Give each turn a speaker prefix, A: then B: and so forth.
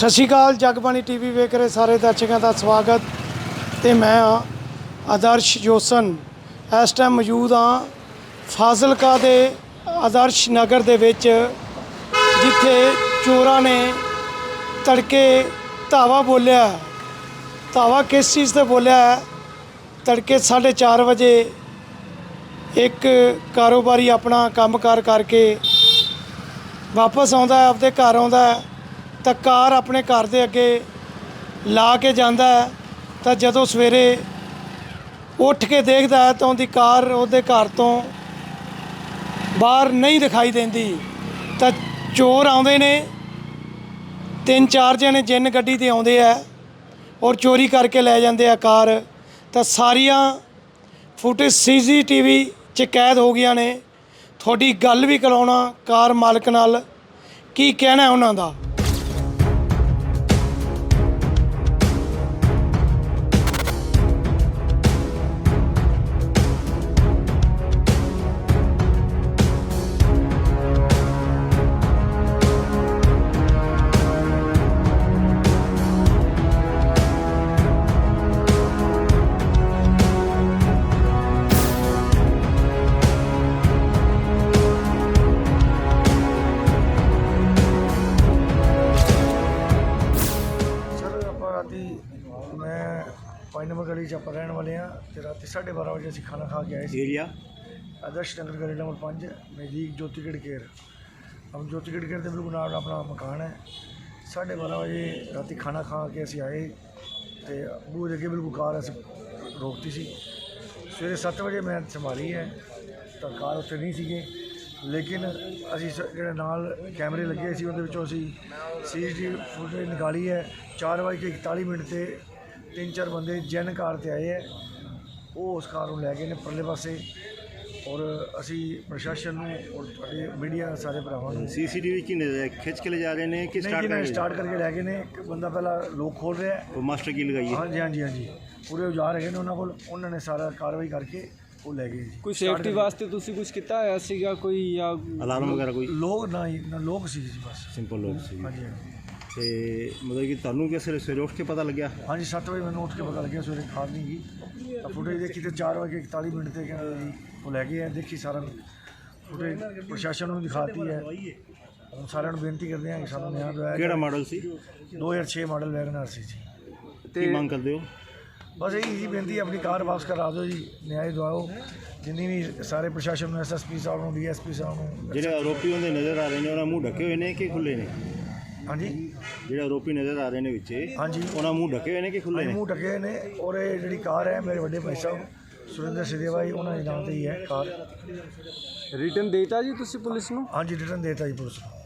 A: सत श्री अकाल जगबाणी टीवी वेख रहे सारे दर्शकों का स्वागत। तो मैं हाँ आदर्श जोसन, इस टाइम मौजूद हाँ फाजिलका दे आदर्श नगर दे विच, जिथे चोरां ने तड़के धावा बोलिया। धावा किस चीज़ से बोलिया है? तड़के 4:30 बजे एक कारोबारी अपना काम कार करके वापस आउंदा है, अपने घर आउंदा है तो कार अपने घर के अगे ला के जाता है। तो जदों सवेरे उठ के देखता है तो उनकी कार उसदे घर तो बाहर नहीं दिखाई देती। तो चोर आउंदे ने, 3-4 जने जिन गड्डी ते आउंदे आ और चोरी करके लै जाते हैं कार। तो सारिया फुटेज CCTV च कैद हो गई ने। थोड़ी गल भी कराउणा कार मालक नाल, की कहना है उन्हां दा। मैं 5 नंबर गली च आप रहने वाले हैं। तो रात 12:30 बजे असी खाना खा के आए एरिया आदर्श नगर गली नंबर 5 नज़दीक ज्योति गेट केयर। हम ज्योति गेट केयर के बिल्कुल नाल अपना मकान है। 12:30 बजे रात खाना खा के असी आए तो बूहे अगे बिल्कुल कार अस रोकती सी। सवेरे 7 बजे मैं संभाली है तो कार उत्थे नहीं सी, लेकिन असी जो नाल कैमरे लगे सी उहदे विचों असी CCTV फुटेज निकाली है। 4:41 से 3-4 बंदे जैन कार ते आए हैं, वो उस कार को लै गए ने परले पासे। और असी प्रशासन और मीडिया सारे भरावां नूं
B: CCTV की खिंच के ले जा रहे हैं कि
A: स्टार्ट करके लै गए ने। एक बंदा पहला लोक खोल रहा है,
B: वो मास्टर की लगाई है।
A: हाँ जी हाँ जी हाँ जी, पूरे औजार है उन्होंने कोल, उन्होंने सारा कार्रवाई करके वो लै गए।
C: कोई सेफ्टी वास्ते तुसी कुछ किया है सीगा कोई या
B: अलार्म वगैरह कोई?
A: लोग ना लोग सी बस
B: सिंपल लोग सी।
A: हाँ जी हाँ जी।
B: तो मतलब कि तुहानू क्या सवेरे उठ के पता लग गया?
A: हाँ जी 7 बजे मैंने उठ के पता लगे, सवेरे कार नहीं गई। तो फुटेज देखी तो 4:41 से वो लै गए हैं। देखी सारा फुटेज प्रशासन को दिखाती है। हम सारे बेनती करते हैं कि सानू न्याय दिवाया।
B: केड़ा मॉडल सी?
A: 2006 मॉडल वैगनआर सी जी।
B: की मांग करते हो?
A: बस यही जी बेनती है, अपनी कार वापस करा दो जी, न्याय दिवाओ। जिन्नी भी सारे प्रशासन में SSP साहब DSP साहब
B: जो आरोपी उन्हें नज़र आ रहे हैं उन्होंने मुँह ढके हुए हैं कि खुले ने?
A: हाँ जी,
B: जो आरोपी नज़र आ रहे हैं विच,
A: हाँ जी,
B: उन्होंने मुँह ढके हुए हैं कि खुले ने?
A: मुँह ढके ने। और ये जी कार है मेरे बड़े भाई साहब सुरेंद्र सिद्धेवा जी, उन्होंने नाम से ही है कार।
C: रिटर्न देता जी तुसी पुलिस नूं?
A: हाँ जी रिटर्न देता जी पुलिस।